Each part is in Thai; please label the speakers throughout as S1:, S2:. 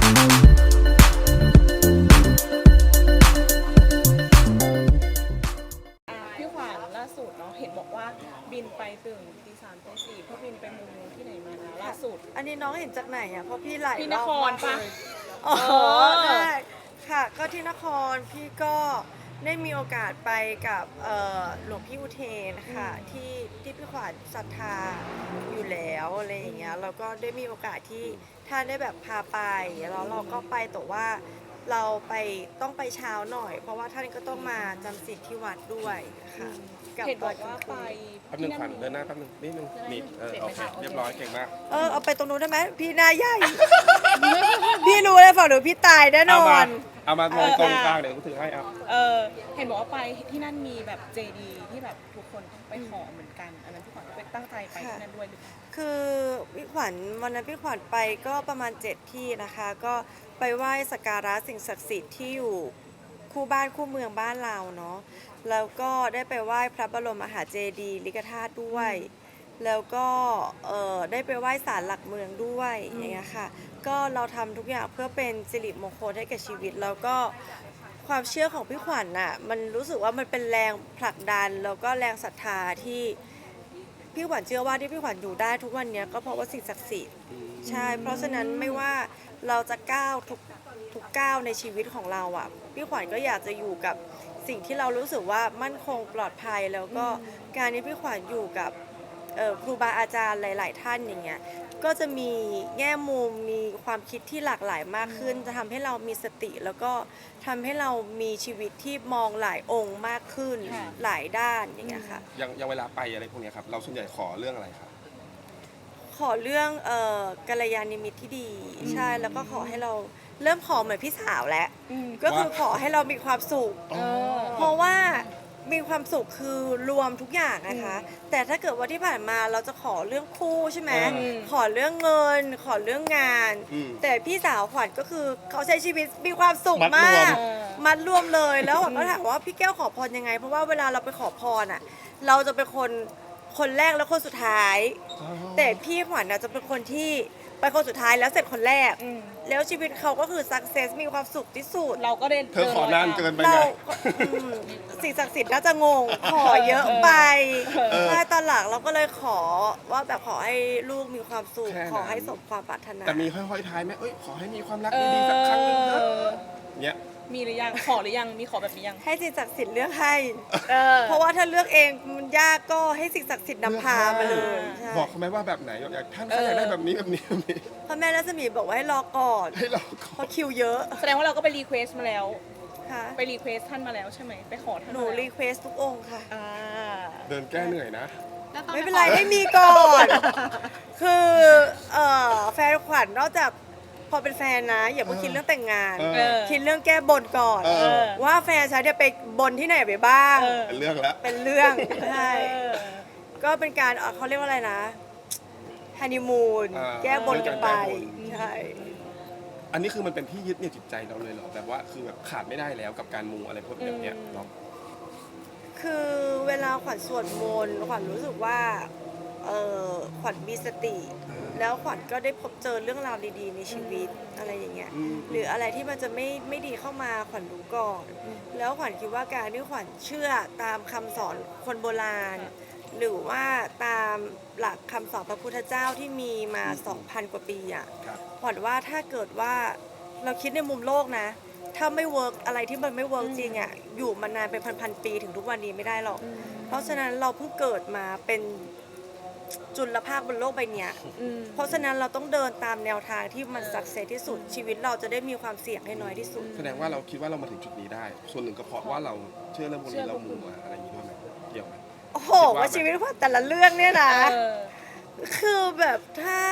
S1: พี่ขวัญล่าสุดเนาะเห็นบอกว่าบินไปตื่นตี 3ตี 4เพื่อบินไปมูที่ไหนมานะล่าสุด
S2: อันนี้น้องเห็นจากไหนอ่ะเพราะพี่หลาย
S1: ที่น
S2: รอบ
S1: คร
S2: มาก
S1: ปะ
S2: เลยอ๋อได้ค่ะก็ที่นครพี่ก็ได้มีโอกาสไปกับหลวงพี่อุเทนค่ะที่พี่ขวัญศรัทธาอยู่แล้วอะไรอย่างเงี้ยแล้วก็ได้มีโอกาสที่ท่านได้แบบพาไปแล้วเราก็ไปแต่ว่าเราไปต้องไปเช้าหน่อย เพราะว่าท่านก็ต้องมาจำศีลที่วัดด้วยค่ะบ
S1: เห็นบอกว่าไป
S3: แป๊บนึงขวัญเดินหน้าแป๊บนึงนิดนึงนี่โอเคเรียบร้อยเก่งมาก
S2: เอาไปตรงนู้นได้ไหมพี่หน้าใหญ่ พี่รู้เลยฝั่งหนูพี่ตายแน่นอน
S3: เอามาตรงกลางเดี๋ยวกูถือให้เอา
S1: เห็นบอกว่าไปที่นั่นมีแบบเจดีที่แบบทุกคนต้องไปขอเหมือนกันอันนั้นพี่ขวัญไปตั้งใจไปที่นั่นด้วยหรือเปล่า
S2: คือพี่ขวัญวันนั้นพี่ขวัญไปก็ประมาณ7ที่นะคะก็ไปไหว้สักการะสิ่งศักดิ์สิทธิ์ที่อยู่คู่บ้านคู่เมืองบ้านเราเนาะแล้วก็ได้ไปไหว้พระบรมมหาเจดีย์ลิกธาตุด้วยแล้วก็ได้ไปไหว้ศาลหลักเมืองด้วยอย่างเงี้ยค่ะก็เราทำทุกอย่างเพื่อเป็นสิริมงคลให้กับชีวิตแล้วก็ความเชื่อของพี่ขวัญน่ะมันรู้สึกว่ามันเป็นแรงผลักดันแล้วก็แรงศรัทธาที่พี่ขวัญเชื่อว่าที่พี่ขวัญอยู่ได้ทุกวันนี้ก็เพราะว่าสิ่งศักดิ์สิทธิ์ใช่เพราะฉะนั้นไม่ว่าเราจะก้าวทุกก้าวในชีวิตของเราอ่ะพี่ขวัญก็อยากจะอยู่กับสิ่งที่เรารู้สึกว่ามั่นคงปลอดภัยแล้วก็การที่พี่ขวัญอยู่กับครูบาอาจารย์หลายๆท่านอย่างเงี้ยก็จะมีแง่มุมมีความคิดที่หลากหลายมากขึ้นจะทำให้เรามีสติแล้วก็ทำให้เรามีชีวิตที่มองหลายองค์มากขึ้นหลายด้านอย่างเงี้ยค่ะ
S3: ยังเวลาไปอะไรพวกนี้ครับเราส่วนใหญ่ขอเรื่องอะไรครับ
S2: ขอเรื่องกัลยาณมิตรที่ดีใช่แล้วก็ขอให้เราเริ่มขอเหมือนพี่สาวแล้วก็คือขอให้เรามีความสุขเพราะว่ามีความสุขคือรวมทุกอย่างนะคะแต่ถ้าเกิดว่าที่ผ่านมาเราจะขอเรื่องคู่ใช่ไหมขอเรื่องเงินขอเรื่องงานแต่พี่สาวขวัญก็คือเขาใช้ชีวิตมีความสุขมากมัดรวมเลยแล้วขวัญก็ถามว่าพี่แก้วขอพรยังไงเพราะว่าเวลาเราไปขอพรอ่ะเราจะเป็นคนแรกแล้วคนสุดท้ายแต่พี่ขวัญจะเป็นคนที่ไปคนสุดท้ายแล้วเสร็จคนแรกแล้วชีวิตเขาก็คือสักเซสมีความสุขที่สุด
S1: เราก็ได้
S3: เธอขอนานเกินไปไง
S2: สิ่งศักดิ์สิทธิ์น่าจะงงขอเยอะไปใช่ตอนหลังเราก็เลยขอว่าแบบขอให้ลูกมีความสุขขอให้สมความปรารถนา
S3: แต่มีห้อยๆท้ายไหมขอให้มีความรักดีๆสักครั้งนึงเถอะเนี่ย
S1: มีหรือยังขอหรือยังมีขอแบบนี้ยัง
S2: ให้สิ่งศักดิ์สิทธิ์เลือกให้เพราะว่าถ้าเลือกเองมันยากก็ให้สิ่งศักดิ์สิทธิ์นำพามาเลย
S3: บอกเขาไหมว่าแบบไหนอยากท่านเขาอยากได้แบบนี้แบบนี้
S2: พ่อแม่รัศมีบอกว่าให้รอก่อนเพราะคิวเยอะ
S1: แสดงว่าเราก็ไปรีเควสมาแล้ว
S2: ค่ะ
S1: ไปรีเควสท่านมาแล้วใช่ไหมไปขอท่าน
S2: หนูรีเควสทุกองค์ค่ะ
S3: เดินแก้เหนื่อยนะ
S2: ไม่เป็นไรให้มีก่อนคือแฟนขวัญนอกจากพอเป็นแฟนนะอย่าเพิ่งคิดเรื่องแต่งงานคิดเรื่องแก้บนก่อนว่าแฟนฉันจะไปบนที่ไหนไปบ้าง
S3: เป็นเรื่องแล้ว
S2: เป็นเรื่องใช่ก็เป็นการเขาเรียกว่าอะไรนะฮันนีมูนแก้บนกันไปใช่
S3: อันนี้คือมันเป็นที่ยึดเหนี่ยวจิตใจเราเลยเหรอแบบว่าคือแบบขาดไม่ได้แล้วกับการมูอะไรพวกแบบเนี้ยเนาะ
S2: คือเวลาขวัญสวดมนต์ขวัญรู้สึกว่าขวัญมีสติแล้วขวัญก็ได้พบเจอเรื่องราวดีๆในชีวิตอะไรอย่างเงี้ยหรืออะไรที่มันจะไม่ดีเข้ามาขวัญรู้ก่อนแล้วขวัญคิดว่าการที่ขวัญเชื่อตามคำสอนคนโบราณหรือว่าตามหลักคำสอนพระพุทธเจ้าที่มีมา 2,000 กว่าปีอ่ะขวัญว่าถ้าเกิดว่าเราคิดในมุมโลกนะถ้าไม่เวิร์กอะไรที่มันไม่เวิร์กจริงอ่ะอยู่มานานเป็นพันๆปีถึงทุกวันนี้ไม่ได้หรอกเพราะฉะนั้นเราเพิ่งเกิดมาเป็นจุลภาคบนโลกใบนี้เพราะฉะนั้นเราต้องเดินตามแนวทางที่มันสักเซสที่สุดชีวิตเราจะได้มีความเสี่ยงให้น้อยที่สุด
S3: แสดงว่าเราคิดว่าเรามาถึงจุดนี้ได้ส่วนหนึ่งก็เพราะว่าเราเชื่อเรื่องพวกนี้เรามูมาอะไรอย่างนี้ด้วยไหมเกี่ยวไหม
S2: โอ้โหว่าชีวิตว่าแต่ละเรื่องเนี่ยนะคือแบบถ้า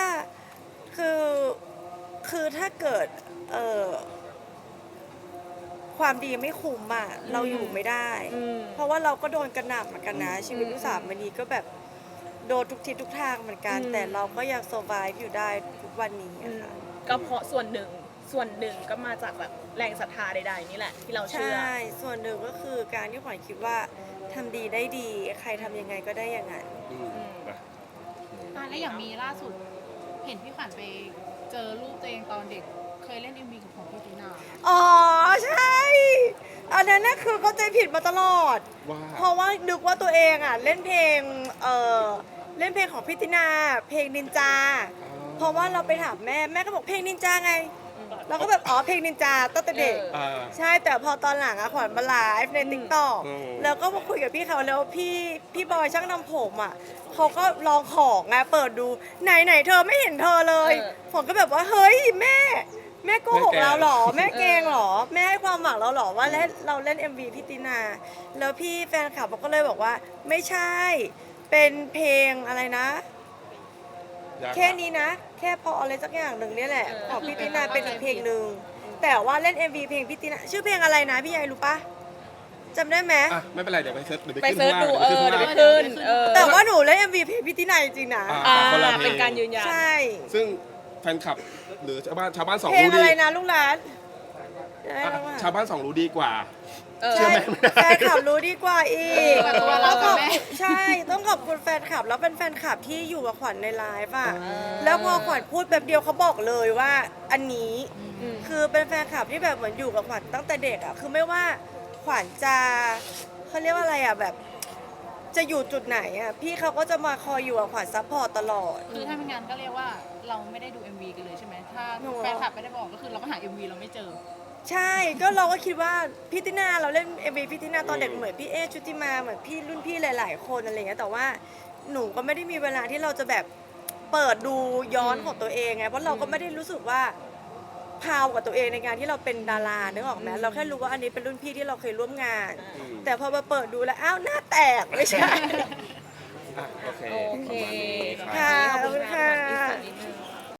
S2: คือถ้าเกิดความดีไม่คุ้มอ่ะเราอยู่ไม่ได้เพราะว่าเราก็โดนกระหน่ำเหมือนกันนะชีวิตลูกสาวมณีก็แบบโดนทุกทิศทุกทางเหมือนกันแต่เราก็ยัง survive อยู่ได้ทุกวันนี้ค่ะ
S1: ก็เพราะส่วนหนึ่งก็มาจากแบบแรงศรัทธาใดๆนี่แหละที่เราเชื่อ
S2: ใช่ส่วนหนึ่งก็คือการที่ขวัญคิดว่าทำดีได้ดีใครทำยังไงก็ได้อย่างนั้น
S4: แล้วอย่างมีล่าสุดเห็นพี่ขวัญไปเจอรูปตัวเองตอนเด็กเคยเล่น MV
S2: นั้นน่ะคือเข้าใจผิดมาตลอด
S3: ว่า
S2: เพราะว่านึกว่าตัวเองอ่ะเล่นเพลงเล่นเพลงของพี่ตินาเพลงนินจา เพราะว่าเราไปถามแม่แม่ก็บอกเพลงนินจาไง เราก็แบบอ๋อเพลงนินจาตั้งแต่เด็ก
S3: อ่า
S2: ใช่แต่พอตอนหลังอะขวัญมาไลฟ์ในติ๊กต็อก
S3: อืม
S2: แล้วก็มาคุยกับพี่เขาแล้วพี่บอยช่างนำผมอ่ะเขาก็ลองของไงเปิดดูไหนเธอไม่เห็นเธอเลยผมก็แบบว่าเฮ้ยแม่โกหกเราเหรอแม่เกงเหรอแม่ให้ความหวังเราเหรอว่าเราเล่น MV พี่ตินา แล้วพี่แฟนคลับก็เลยบอกว่าไม่ใช่เป็นเพลงอะไรนะ
S3: ยาก
S2: แค่นี้นะ แค่พออะไรสักอย่างหนึ่งเนี่ยแหละของพี่ตินาเป็นอีกเพลงหนึ่งแต่ว่าเล่น MV เพลงพี่ตินาชื่อเพลงอะไรนะพี่ยายรู้ปะจำได้ไหม
S3: อ่ะไม่เป็นไรเดี๋ยวไปเซิร์ชเดี๋ยว
S1: ไป
S3: ไปขึ้น
S1: เซิร์ช
S3: ข้าง
S1: ดู
S3: ล่าง
S1: เดี๋ยว
S3: เดี๋ยว
S1: ไป
S3: ขึ้นข้างล่าง
S1: ขึ้นเออ
S2: แต่ว่าหนูเล่น MV เพลงพี่ตินาจริงๆนะ
S3: อ่า
S1: อ่าเป็นการยืนยัน
S2: ใช่
S3: ซึ่งแฟนคลับหรือชาวบ้านสอง
S2: เพลง
S3: รู้
S2: อะ
S3: ดี
S2: ไรนะลูกหลาน
S3: อ่ะชาวบ้านสองรู้ดีกว่า
S1: เออ
S3: เชื่อไหม
S2: แฟนคลับรู้ดีกว่าอีก
S4: กว่าตัวเรา
S2: ต้องขอบ
S4: แม่
S2: ใช่ต้องขอบคุณแฟนคลับแล้วเป็นแฟนคลับที่อยู่กับขวัญในไลฟ์อ่ะแล้วพอขวัญพูดแบบเดียวเขาบอกเลยว่าอันนี้ คือเป็นแฟนคลับที่แบบเหมือนอยู่กับขวัญตั้งแต่เด็กอ่ะคือไม่ว่าขวัญจะเขาเรียกว่าอะไรอ่ะแบบจะอยู่จุดไหนอ่ะพี่เขาก็จะมาคอยอยู่กับขวัญซัพพอร์ตตลอด
S4: คือถ้าไม่งั้นก็เรียกว่าเราไม่ได้ดู MV กันเลยใช่ไหมถ้า
S2: หนู
S4: แฟนคลับไม่ได้บอกก็คือเราก็หา MV เราไม่เจอ
S2: ใช่ก็เราก็คิดว่าพี่ตินาเราเล่น MV พี่ตินาตอนเด็กเหมือนพี่เอชุติมาเหมือนพี่รุ่นพี่หลาย ๆ คนอะไรเงี้ยแต่ว่าหนูก็ไม่ได้มีเวลาที่เราจะแบบเปิดดูย้อนของตัวเองไงเพราะเราก็ไม่ได้รู้สึกว่าพาวกับตัวเองในการที่เราเป็นดารานึกออกไหมเราแค่รู้ว่าอันนี้เป็นรุ่นพี่ที่เราเคยร่วมงาน แต่พอมาเปิดดูแล้วอ้าวหน้าแตกไม่ใช่
S3: อ่ะโอเค
S1: โอเค
S3: ประมาณนี้ครับ
S2: ค่ะ
S1: ขอบคุณค่ะ
S2: ขอบคุณค่ะ
S1: ขอบคุณค่ะ